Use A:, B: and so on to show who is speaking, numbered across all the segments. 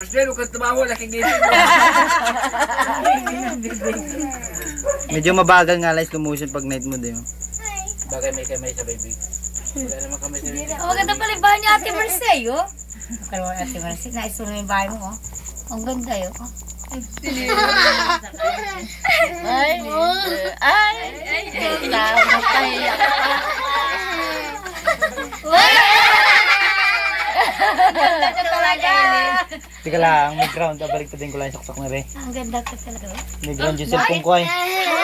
A: Pero kung tumawa, nakikita mo.
B: Medyo mabagal nga lang slow motion pag night mode eh.
A: Bagay may kamay sa baby. Wala naman kamay sa baby.
C: Ang maganda pala yung bahay ni Ate Marcel, oh. Kaya mo Ate Marcel, naisun mo yung bahay mo, oh. Ang ganda yun, oh. Ay, napahiyak ka. Ganda ka talaga.
B: Teka lang, may ground. Balik pa din ko lang yung saksak na rin.
C: Ang ganda ka talaga, oh.
B: May ground yung cellphone ko ay.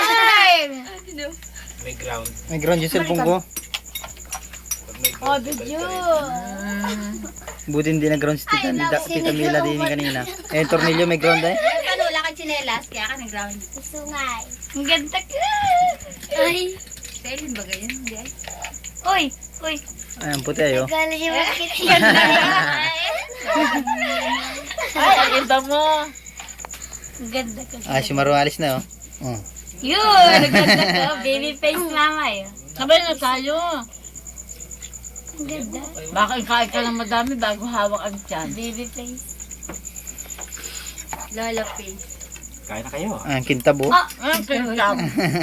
A: May ground.
B: May ground yung cellphone ko.
A: Pag may
C: Oh,
A: ground,
C: video.
B: Buti hindi na ground si Tita Mila din kanina. Eh, yung tornilyo may ground eh.
C: Ano, wala kang tsinelas, kaya ka nag-ground. Sungay. Ang ganda ka. Ay. Selin ba ganyan? Hindi ay. Uy, uy.
B: Ay, ang puti ayo.
C: Gala yung makikita yan. Ay, ang ganda mo. Ang ganda ka.
B: Ah, si Maru alis na oh. Oh.
C: Yun, ang ganda ka. Baby face mama yun.
D: Sabay na tayo.
C: Ang ganda.
D: Baka ikain ka ng madami bago hawak ang tiyan.
C: Baby face. Lola face.
A: Kain na kayo.
B: Ah, kintabo.
D: Ang pintab.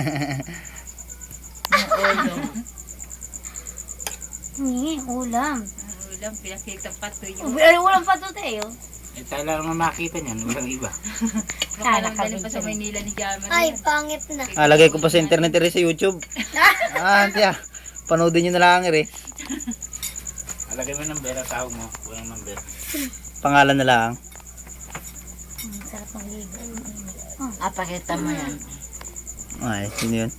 C: Ulam.
D: Ulam, pinakita pa to yun.
C: Ulam pa to tayo.
A: Eh, tayo lang naman makita niyan. Walang iba.
C: Kala ka
D: Galing pa sa Maynila ni Jamal.
C: Ay, pangit na.
B: Ah, lagay ko pa sa internet rin sa YouTube. Ah, tiya. Panoodin nyo na lang rin.
A: Alagay mo ng number at tawag mo. Walang number.
B: Pangalan na lang.
C: Sarap ng ligo.
D: Pakita mo yan.
B: Ay, sino yun?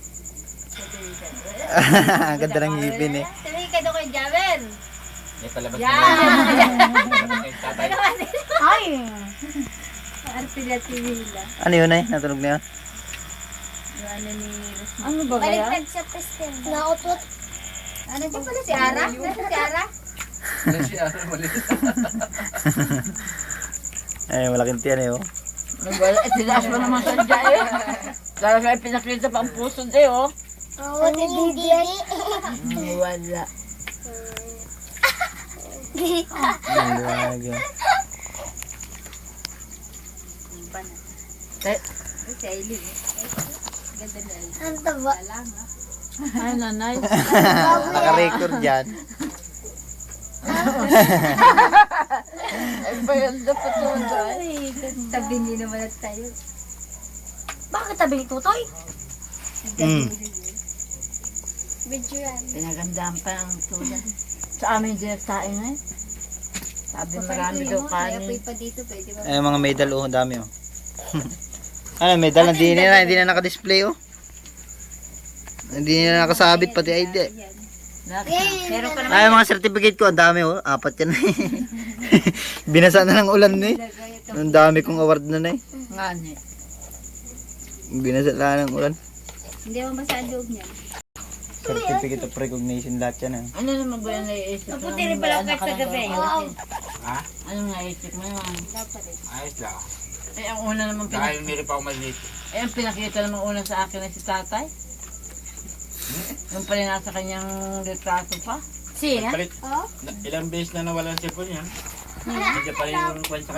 B: Ang ganda ng ngipin eh.
C: Sabi ka doon kay Javel.
A: Eh, palabas
C: Yan.
A: na. Tatay.
C: Ay. Arpila Tivila.
B: Ano yun eh? Natunog na yun?
C: Yung ano ni Rosmar.
D: Ano ba kaya?
C: Baliktad sa Preston. Nautot. Ano ba pala si Ara? Nasa si Ara?
B: Ay, malaking tiyan eh oh.
D: Wala, tinaas mo naman sa dyan eh. Lalo sa pinakita pa ang puso eh oh.
C: Oo, hindi.
D: Wala.
B: Ang liwanag yun.
C: Si Aileen. Ganda na Aileen. Ang taba.
D: Ay, nanay.
B: Naka-record dyan.
D: Ay, bayanda pa to dyan.
C: Ay, tabi ni naman at tayo. Bakit tabi ni Tutoy? Bidjuran.
D: Pinagandaan pa ang tulan. Sa amin direktain eh. Sabi marami daw kanin.
C: pa dito, pwede ba?
B: Ay, mga medal oh, dami oh. Ano, medal hindi na naka-display oh. Hindi na nakasabit pati ID.
C: Meron pa naman.
B: Ay, mga certificate ko, ang dami oh. 4 yan eh. Binasa na ng ulan eh. Ang dami kong award na eh.
D: Ngani.
B: Binasa na ng ulan.
C: Hindi mo basa ang loob niya.
B: Certificate of recognition lahat yan ah.
D: Ano naman ba yung naiisip mo?
C: Mabuti rin pala kahit sa gabi.
A: Ha?
D: Anong naisip mo naman?
A: Ayos lang.
D: Eh, ang una naman
A: Dahil meron pa ako maliit.
D: Eh, ang pinakita naman una sa akin ay si tatay. Yung pala nasa kanyang litrato pa.
C: Sina?
A: Palit. Ilang beses na nawala ang cellphone niya. Hindi pa rin yung kwan sa